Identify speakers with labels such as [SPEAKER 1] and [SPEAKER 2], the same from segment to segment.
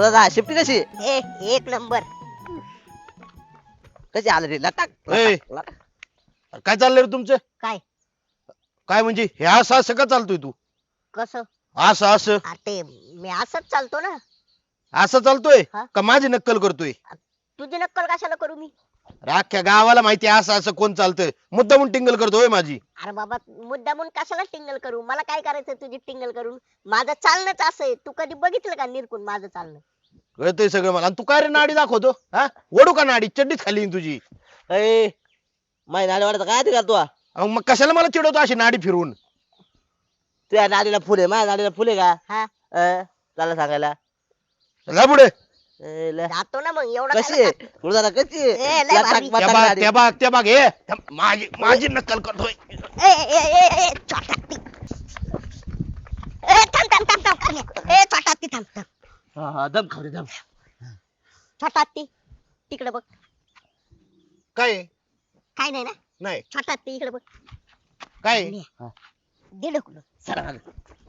[SPEAKER 1] गुरुदादा शिफ्टी कशी
[SPEAKER 2] एक नंबर.
[SPEAKER 1] कशी आलं रे लटाक
[SPEAKER 3] ए. काय चाललंय रे तुमचं?
[SPEAKER 2] काय
[SPEAKER 3] काय म्हणजे हे असं असं का चालतोय तू?
[SPEAKER 2] कसं?
[SPEAKER 3] असं असं
[SPEAKER 2] ते मी असंच चालतो ना.
[SPEAKER 3] असं चालतोय
[SPEAKER 2] हा?
[SPEAKER 3] का माझी नक्कल करतोय?
[SPEAKER 2] तुझी नक्कल कशाला करू मी?
[SPEAKER 3] अख्ख्या गावाला माहिती आहे असं असं कोण चालतंय, मुद्दामून टिंगल करतोय माझी.
[SPEAKER 2] अरे बाबा मुद्दामून कशाला टिंगल करू? मला काय करायचं तुझी टिंगल करून? माझं चालणंच असं आहे. तू कधी बघितलं का निरकून माझं चालणं?
[SPEAKER 3] कळतंय सगळं मला. आणि तू काय रे नाडी दाखवतो? हा ओढू का नाडी? चड्डीत खाली तुझी.
[SPEAKER 1] ए माझी नाडी वाटत काय ते का तू
[SPEAKER 3] अहो, मग कशाला मला चिडवतो अशी नाडी फिरवून?
[SPEAKER 1] तुझ्या नाडीला फुल आहे माझ्या नाडीला फुल आहे का
[SPEAKER 2] हा
[SPEAKER 1] त्याला सांगायला
[SPEAKER 3] चला पुढे.
[SPEAKER 2] जातो ना मग एवढं
[SPEAKER 1] कशी
[SPEAKER 2] काय
[SPEAKER 1] आहे गुरुदादा कशी
[SPEAKER 2] ए,
[SPEAKER 1] आहे
[SPEAKER 2] लय
[SPEAKER 1] लटाक
[SPEAKER 2] भारी.
[SPEAKER 1] मटाक
[SPEAKER 3] त्या बाग
[SPEAKER 1] नाडी.
[SPEAKER 3] त्या बाग त्या बाग हे थांब, माझी नक्कल करतोय.
[SPEAKER 2] ए ए ए ए छोटा ती. ए थांब थांब थांब थांब करण्या. ए छोटा ती थांब थांब.
[SPEAKER 1] हा हा दम खाऊ रे दम.
[SPEAKER 2] छोटा ती तिकडे बघ.
[SPEAKER 3] काय आहे?
[SPEAKER 2] काय नाही ना?
[SPEAKER 3] नाही
[SPEAKER 2] छोटा ती इकडे बघ.
[SPEAKER 3] काय आहे?
[SPEAKER 2] दे ढकलून.
[SPEAKER 1] सरा मागं.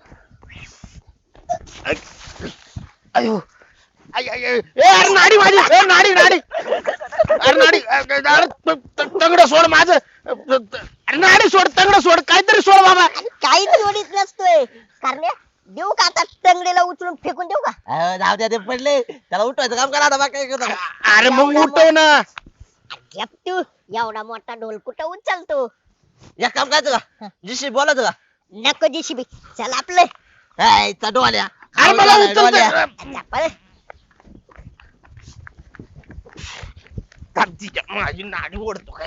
[SPEAKER 3] अयो आय, आय, आय. ए, अरे नाडी माझी. ए, नाडी नाडी अरे नाडी तंगड सोड माझं. अरे नाडी सोड, तंगड सोड, काहीतरी सोड बाबा.
[SPEAKER 2] काही जोडीत नसतोय करण्या. देऊ का आता टंगडीला उचलून फेकून देऊ का?
[SPEAKER 1] जाऊ द्या ते पडले त्याला उठवायचं काम करा आता बाकी काय करतो का?
[SPEAKER 3] अरे मग उठव ना.
[SPEAKER 2] घेप तू एवढा मोठा ढोल कुठं उचलतो?
[SPEAKER 1] एक काम करायचं का जिशी बोलायचं का
[SPEAKER 2] नको जीसीबी. चल आपलं.
[SPEAKER 1] हायचा डोल्या
[SPEAKER 3] अरे मला
[SPEAKER 1] डोल्या.
[SPEAKER 3] उचलतोय.
[SPEAKER 2] पळ.
[SPEAKER 3] थांब, तिच्या माझी नाडी ओढतो काय.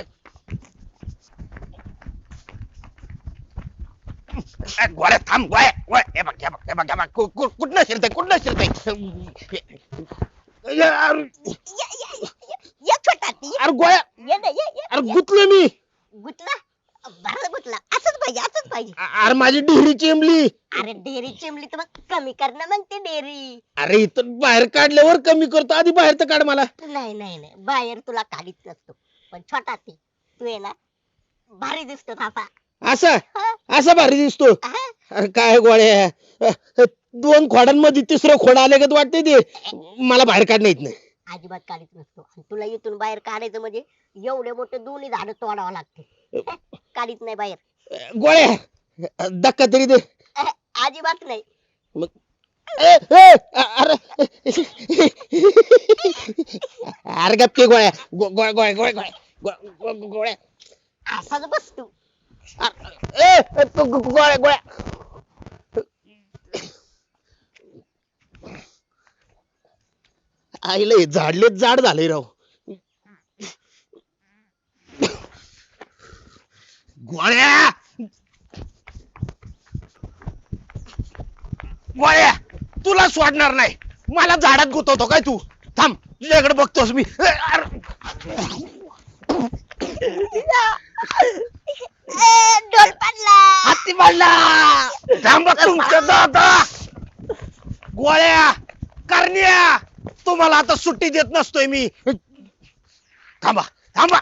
[SPEAKER 3] ए, गोळ्या थांब गोळ्या गोळ्या. हे बघ हे बघ हे बघ हे बघ कुठनं शिरतय कुठनं शिरतय. अरे
[SPEAKER 2] ये छोटा ती.
[SPEAKER 3] गोळ्या.
[SPEAKER 2] ये ना ये
[SPEAKER 3] अरे गुतलो मी.
[SPEAKER 2] गुतला. बरं गुतला. असंच पाहिजे असंच पाहिजे.
[SPEAKER 3] अरे माझी डिहरी चेंबली.
[SPEAKER 2] अरे डेअरी चिमली तर मग कमी कर ना मग ते डेअरी.
[SPEAKER 3] अरे इथं बाहेर काढल्यावर कमी करतो, आधी बाहेर तर काढ मला.
[SPEAKER 2] नाही नाही नाही बाहेर तुला काढीत नसतो. पण छोटा ती तू आहे ना भारी दिसतो थापा.
[SPEAKER 3] असं असं भारी दिसतो. अरे काय गोळ्या, दोन खोडांमध्ये तिसरं खोड आले का वाटते ते मला बाहेर काढणं येत नाही.
[SPEAKER 2] अजिबात काढीत नसतो. आणि तुला इथून बाहेर काढायचं म्हणजे एवढे मोठे दोन्ही झाड तोडावं लागते. काढीत नाही बाहेर.
[SPEAKER 3] गोळ्या धक्का तरी दे.
[SPEAKER 2] अजिबात नाही.
[SPEAKER 3] मग अरे अरे गप्पे गोळ्या गोळ्या गोळ्या गोळ्या गोळ्या.
[SPEAKER 2] असाच बस तू.
[SPEAKER 3] गोळ्या गोळ्या. आईला झाडलेच जाड झाले राव. गोळ्या गोळ्या तुला सोडणार नाही. मला झाडात गुतवतो काय तू? थांब तुझ्याकडे बघतोस मी.
[SPEAKER 2] डोल पडला.
[SPEAKER 1] हत्ती पडला
[SPEAKER 3] थांबा तुमच्या दादा. गोळ्या करण्या तुम्हाला आता सुट्टी देत नसतोय मी. थांबा थांबा.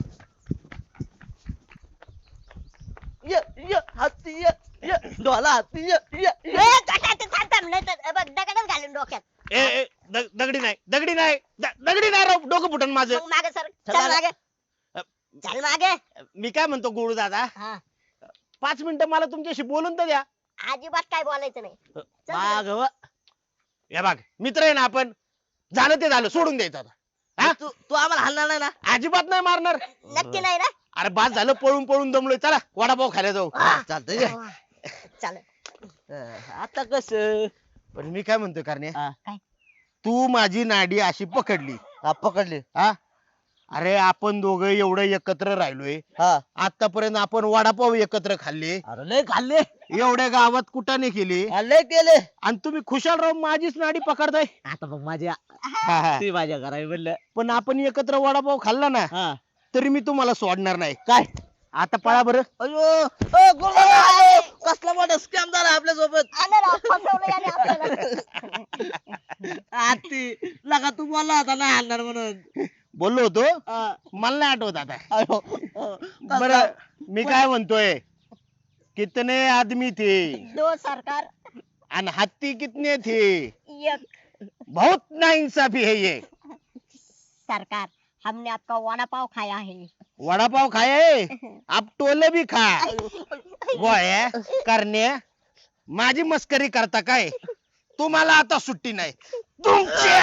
[SPEAKER 1] ये ये हत्ती ये ये डोला हत्ती ये ये
[SPEAKER 2] ए, छोटा ती थांब थांब. नाही तर बघ दगडच घालून डोक्यात.
[SPEAKER 3] दगडी नाही दगडी नाही दगडी नाही राव. डोकं फुटन माझं.
[SPEAKER 2] मग मागे सर.
[SPEAKER 1] चल
[SPEAKER 2] चल
[SPEAKER 1] मागे.
[SPEAKER 2] मागे. चल मागे.
[SPEAKER 3] मी काय म्हणतो गुरु दादा,
[SPEAKER 2] हा
[SPEAKER 3] 5 मिनिटं मला तुमच्याशी बोलून तर द्या.
[SPEAKER 2] अजिबात काय बोलायचं नाही. चल
[SPEAKER 1] माग व.
[SPEAKER 3] हे बघ मित्र आहे ना आपण. झालं ते झालं सोडून द्यायचं आता. हा?
[SPEAKER 1] तू तू आम्हाला हाणणार नाही ना
[SPEAKER 3] अजिबात नाही मारणार.
[SPEAKER 2] नक्की नाही ना?
[SPEAKER 3] अरे बाद झालं पळून पळून दमलोय. चला वडापाव खायला जाऊ.
[SPEAKER 1] चालतंय
[SPEAKER 2] चल.
[SPEAKER 1] आता कस
[SPEAKER 3] पण मी काय म्हणतोय करण्या,
[SPEAKER 2] काय?
[SPEAKER 3] तू माझी नाडी अशी पकडली.
[SPEAKER 1] पकडली
[SPEAKER 3] हा अरे आपण दोघं एवढं एकत्र राहिलोय.
[SPEAKER 1] हा
[SPEAKER 3] आतापर्यंत आपण वडापाव एकत्र खाल्ले.
[SPEAKER 1] अरे लय खाल्ले
[SPEAKER 3] एवढ्या गावात कुटाने केले.
[SPEAKER 1] लय केले
[SPEAKER 3] आणि तुम्ही खुशाल राहून माझीच नाडी पकडताय.
[SPEAKER 1] आता मग माझ्या
[SPEAKER 3] हा, हा.
[SPEAKER 1] ती माझ्या घरा म्हणलं
[SPEAKER 3] पण आपण एकत्र वडापाव खाल्ला ना
[SPEAKER 1] हा
[SPEAKER 3] तरी मी तुम्हाला सोडणार नाही.
[SPEAKER 1] काय
[SPEAKER 3] आता पळा बरं.
[SPEAKER 1] अयो कसला मोठा स्कॅम झाला आपल्या सोबत
[SPEAKER 2] आलं राव, फसवलं याने आपल्याला.
[SPEAKER 1] आती लगा तू बोलला होता नाही हाणणार म्हणून
[SPEAKER 3] बोललो होतो.
[SPEAKER 1] हा.
[SPEAKER 3] मला नाही आठवत आता.
[SPEAKER 1] अयो
[SPEAKER 3] बर मी काय म्हणतोय, कितने आदमी थे
[SPEAKER 2] दो सरकार
[SPEAKER 3] आणि हत्ती कितने थे?
[SPEAKER 2] एक.
[SPEAKER 3] बहुत नाइंसाफी है ये।
[SPEAKER 2] सरकार, हमने आपका वड़ा पाव खाया है।
[SPEAKER 3] वड़ा पाव खाए आप टोले भी खा गोळ्या करण्या माझी मस्करी करता काय तुम्हाला आता सुट्टी नाही तुमच्या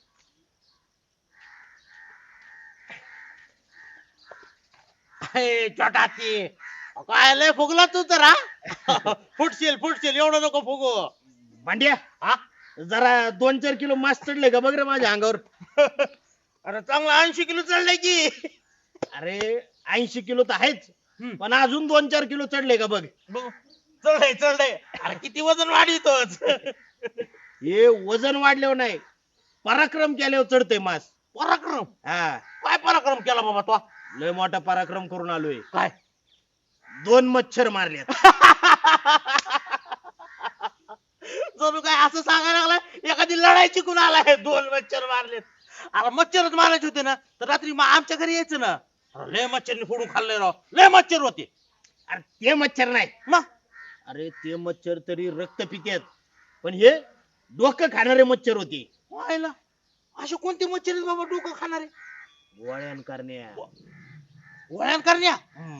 [SPEAKER 4] छोटा ती काय लय फुगला तू तर हा फुटशील एवढं नको फुगू.
[SPEAKER 3] भांड्या हा जरा 2-4 किलो मास चढले का बघ रे माझ्या अंगावर
[SPEAKER 4] अरे चांगला 80 किलो चढलाय की.
[SPEAKER 3] अरे 80 किलो तर आहेच पण अजून 2-4 किलो चढले का बघ
[SPEAKER 4] चढलंय अरे किती वजन वाढीतोच.
[SPEAKER 3] हे वजन वाढल्यावर नाही पराक्रम केल्यावर चढते मास
[SPEAKER 4] पराक्रम
[SPEAKER 3] हा
[SPEAKER 4] काय पराक्रम केला बाबा तो.
[SPEAKER 3] लय मोठा पराक्रम करून आलोय
[SPEAKER 4] काय
[SPEAKER 3] 2 मच्छर मारल्यात
[SPEAKER 4] जणू काय असं सांगायला लागला एखादी लढाई जिंकून आलाय 2 मच्छर मारलेत. अरे मच्छरच मारायचे होते ना तर रात्री आमच्या घरी यायचं ना. अरे लय मच्छरने फोडून खाल्ले राव लय मच्छर होते.
[SPEAKER 3] अरे ते मच्छर नाही
[SPEAKER 4] मग
[SPEAKER 3] अरे ते मच्छर तरी रक्त पितात पण हे डोकं खाणारे मच्छर होते
[SPEAKER 4] व्हायला असे कोणते मच्छर आहेत बाबा डोकं खाणारे.
[SPEAKER 3] वळण करण्या
[SPEAKER 4] वळण करण्या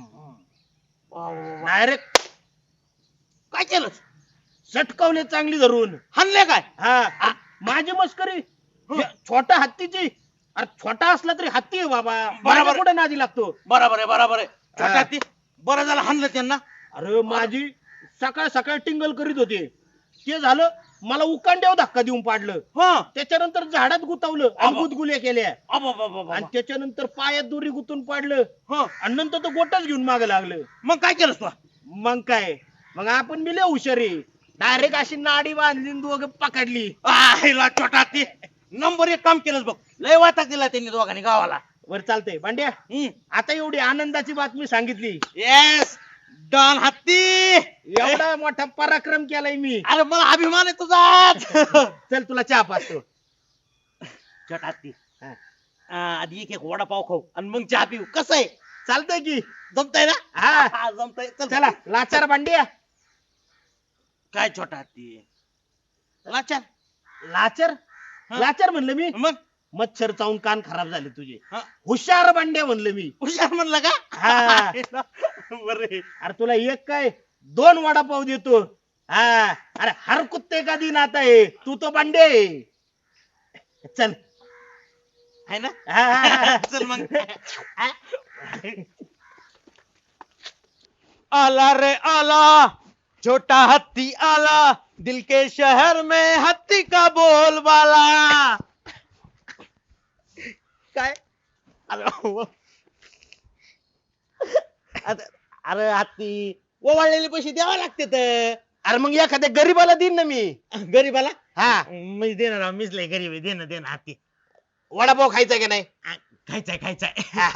[SPEAKER 3] डायरेक्ट
[SPEAKER 4] काय केलं
[SPEAKER 3] सटकावले चांगली धरून
[SPEAKER 4] हाणले काय.
[SPEAKER 3] हा माझी मस्करी हे छोटा हत्तीची अरे छोटा असला तरी हत्ती आहे बाबा
[SPEAKER 4] बरोबर.
[SPEAKER 3] कुठे नादी लागतो
[SPEAKER 4] बरोबर आहे छोटा ती बरं झालं हाणलं त्यांना.
[SPEAKER 3] अरे माझी सकाळ सकाळ टिंगल करीत होते ते झालं मला उकांड्यावर धक्का देऊन पाडलं
[SPEAKER 4] हा
[SPEAKER 3] त्याच्यानंतर झाडात गुतावलं आणि गुदगुल्या केल्या
[SPEAKER 4] अबाबाबाबा.
[SPEAKER 3] आणि त्याच्यानंतर पायात दोरी गुतून पाडलं
[SPEAKER 4] हं.
[SPEAKER 3] आणि नंतर तो गोटाच घेऊन माग लागलं
[SPEAKER 4] मग काय केलंस तू.
[SPEAKER 3] मग काय मग आपण बी लय हुशारी डायरेक्ट अशी नाडी बांधली आणि दोघं पकडली
[SPEAKER 4] आईला छोटा ती नंबर 1 काम केलंस बघ लय वाटा दिला त्यांनी दोघांनी गावाला.
[SPEAKER 3] वर चालतंय भांड्या आता एवढी आनंदाची बातमी सांगितली
[SPEAKER 4] येस डॉन हत्ती
[SPEAKER 3] एवढा मोठा पराक्रम केलाय मी
[SPEAKER 4] अरे मला अभिमान आहे तुझा.
[SPEAKER 3] चल तुला चहा पाचतो
[SPEAKER 4] छोटा हत्ती आधी एक वडापाव खाऊ आणि मग चहा पिऊ कसं आहे
[SPEAKER 3] चालतंय की
[SPEAKER 4] जमतंय ना.
[SPEAKER 3] हा
[SPEAKER 4] जमतंय चल.
[SPEAKER 3] चला लाचार भांड्या
[SPEAKER 4] काय छोटा हत्ती लाचार
[SPEAKER 3] लाचर
[SPEAKER 4] हा.
[SPEAKER 3] लाचर म्हणलं मी
[SPEAKER 4] मग
[SPEAKER 3] मच्छर चावून कान खराब झाले तुझे
[SPEAKER 4] हा.
[SPEAKER 3] हुशार भांड्या म्हणलं मी
[SPEAKER 4] हुशार म्हणलं का.
[SPEAKER 3] हा.
[SPEAKER 4] बरे
[SPEAKER 3] अरे तुला एक काय 2 वडापाव देतो हा अरे हर कुत्ते का दिन आता है तू तो भांडे चल
[SPEAKER 4] आहे ना.
[SPEAKER 3] हा.
[SPEAKER 4] चल मग. आला रे आला छोटा हत्ती आला दिल के शहर में हत्ती का बोलबाला. काय अरे हत्ती ओवाळलेले पैसे द्यावे लागतात.
[SPEAKER 3] अरे मग एखाद्या गरीबाला देईन ना मी
[SPEAKER 4] गरीबाला
[SPEAKER 3] हा
[SPEAKER 4] मी देणार मीच लय गरीब आहे देणं हत्ती.
[SPEAKER 3] वडापाव खायचा की नाही
[SPEAKER 4] खायचाय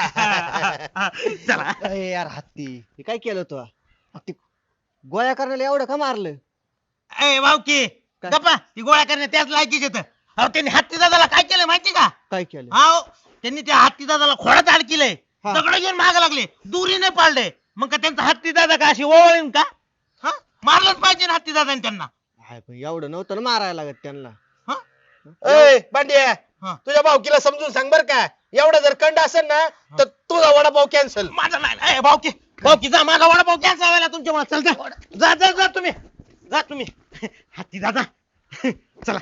[SPEAKER 4] चला.
[SPEAKER 1] अरे यार हत्ती हे काय केलं तू हत्ती गोळ्या करण्याला एवढं का मारलं.
[SPEAKER 4] ए भाऊकी
[SPEAKER 1] काय?
[SPEAKER 4] गप्पा ती गोळ्या करणे त्याच लायकीच येत. अहो त्यांनी हत्ती दादाला काय केलं माहिती का.
[SPEAKER 1] काय केलं
[SPEAKER 4] अहो त्यांनी त्या हत्ती दादाला खोडात अडकिलंय
[SPEAKER 1] हा.
[SPEAKER 4] दगड घेऊन माग लागले दुरीने पाळले मग का त्यांचा हत्ती दादा का अशी ओवळीन का. हा मारलंच पाहिजे ना हत्ती दादाने त्यांना.
[SPEAKER 1] हाय, पण एवढं नव्हतं ना मारायला लागत त्यांना.
[SPEAKER 4] हा?
[SPEAKER 3] ए भांड्या
[SPEAKER 4] हा.
[SPEAKER 3] तुझ्या भावकीला समजून सांग बर का एवढा जर कंड असेल ना तर तुझा वडापाव कॅन्सल
[SPEAKER 4] माझा नाही भाऊकी जा माझा वडापाव कॅन्सल व्हायला तुमच्यामुळे चल जा तुम्ही हत्ती दादा चला.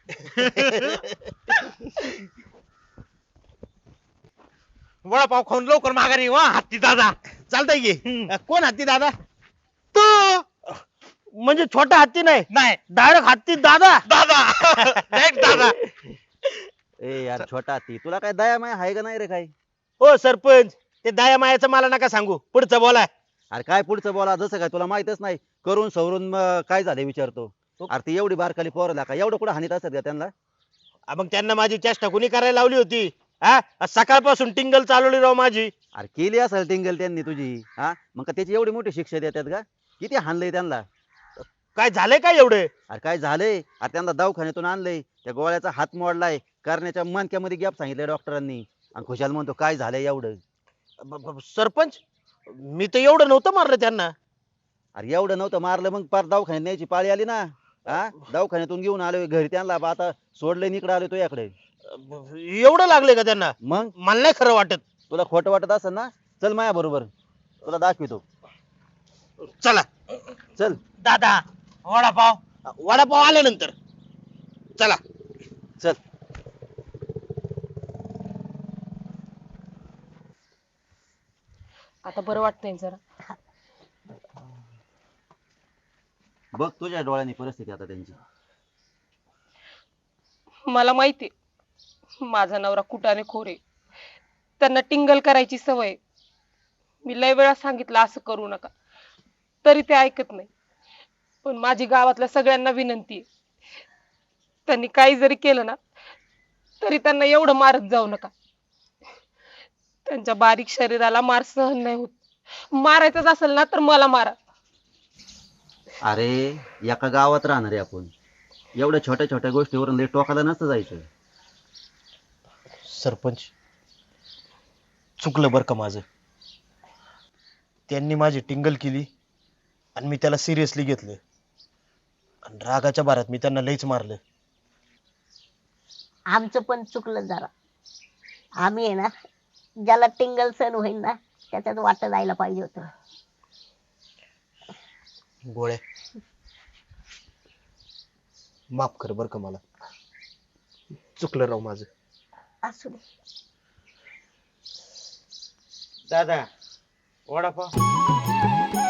[SPEAKER 4] वडापाव खाऊन लवकर माघारी वा हत्ती दादा.
[SPEAKER 3] चालतंय की कोण हत्ती दादा तू म्हणजे छोटा हत्ती नाही
[SPEAKER 4] नाही
[SPEAKER 3] डायरेक्ट हत्ती दादा
[SPEAKER 4] दादा Direct दादा.
[SPEAKER 5] ए यार छोटा ती तुला काय दया माया आहे का नाही रे काय.
[SPEAKER 3] हो सरपंच ते दया मायाचं मला नका सांगू पुढचं बोला
[SPEAKER 5] अरे काय पुढचं बोला जसं काय तुला माहितच नाही करून सवरून काय झाले विचारतो. अरे ती एवढी बारकाली पोरला का एवढं कुठं हानीत असत का त्यांना.
[SPEAKER 3] मग त्यांना माझी चेष्टा कुणी करायला लावली होती हा सकाळपासून टिंगल चालवली राव माझी.
[SPEAKER 5] अरे केली असेल टिंगल त्यांनी तुझी हा मग का त्याची एवढी मोठी शिक्षा देतात का किती हाणलंय त्यांना.
[SPEAKER 3] काय झालंय काय एवढं
[SPEAKER 5] अरे काय झालंय अरे त्यांना दवाखान्यातून आणलंय त्या गोळ्याचा हात मोडलाय करण्याच्या मणक्यामध्ये गॅप सांगितलंय डॉक्टरांनी आणि खुशाल म्हणतो काय झालंय एवढं.
[SPEAKER 3] सरपंच मी तर एवढं नव्हतं मारलं त्यांना.
[SPEAKER 5] अरे एवढं नव्हतं मारलं मग पार दवाखान्यात न्यायची पाळी आली ना. हा दवाखान्यातून घेऊन आलोय घरी त्यांना बा आता सोडलंय इकडे आलोय तो याकडे.
[SPEAKER 3] एवढं लागले का त्यांना?
[SPEAKER 5] मग
[SPEAKER 3] मला नाही खरं वाटत.
[SPEAKER 5] तुला खोटं वाटत असेल ना चल माझ्या बरोबर तुला दाखवितो.
[SPEAKER 3] चला
[SPEAKER 5] चल
[SPEAKER 4] दादा वडापाव.
[SPEAKER 3] वडापाव आल्यानंतर चला.
[SPEAKER 5] चल.
[SPEAKER 6] आता बरं वाटतंय जरा.
[SPEAKER 5] बघ तुझ्या डोळ्यांनी परिस्थिती आता त्यांची.
[SPEAKER 6] मला माहिती माझा नवरा कुटाने खोर आहे. त्यांना टिंगल करायची सवय. मी लय वेळा सांगितलं असं करू नका तरी ते ऐकत नाही. पण माझी गावातल्या सगळ्यांना विनंती आहे त्यांनी काही जरी केलं ना तरी त्यांना एवढं मारत जाऊ नका. त्यांच्या बारीक शरीराला मार सहन नाही होत. मारायचंच असेल ना तर मला मारा.
[SPEAKER 5] अरे एका गावात राहणार आहे आपण एवढ्या छोट्या छोट्या गोष्टीवरून लय टोकाला नसतं जायचं.
[SPEAKER 3] सरपंच चुकलं बरं का माझं. त्यांनी माझी टिंगल केली आणि मी त्याला सिरियसली घेतलं आणि रागाच्या भारात मी त्यांना लईच मारलं.
[SPEAKER 2] आमचं पण चुकलं जरा. आम्ही आहे ना ज्याला टिंगल सण होईल ना त्याच्यात वाट जायला पाहिजे होतं.
[SPEAKER 3] गोळ्या माफ कर बर का मला. चुकलं राव माझं.
[SPEAKER 2] असू दे.
[SPEAKER 4] दादा वडापाव.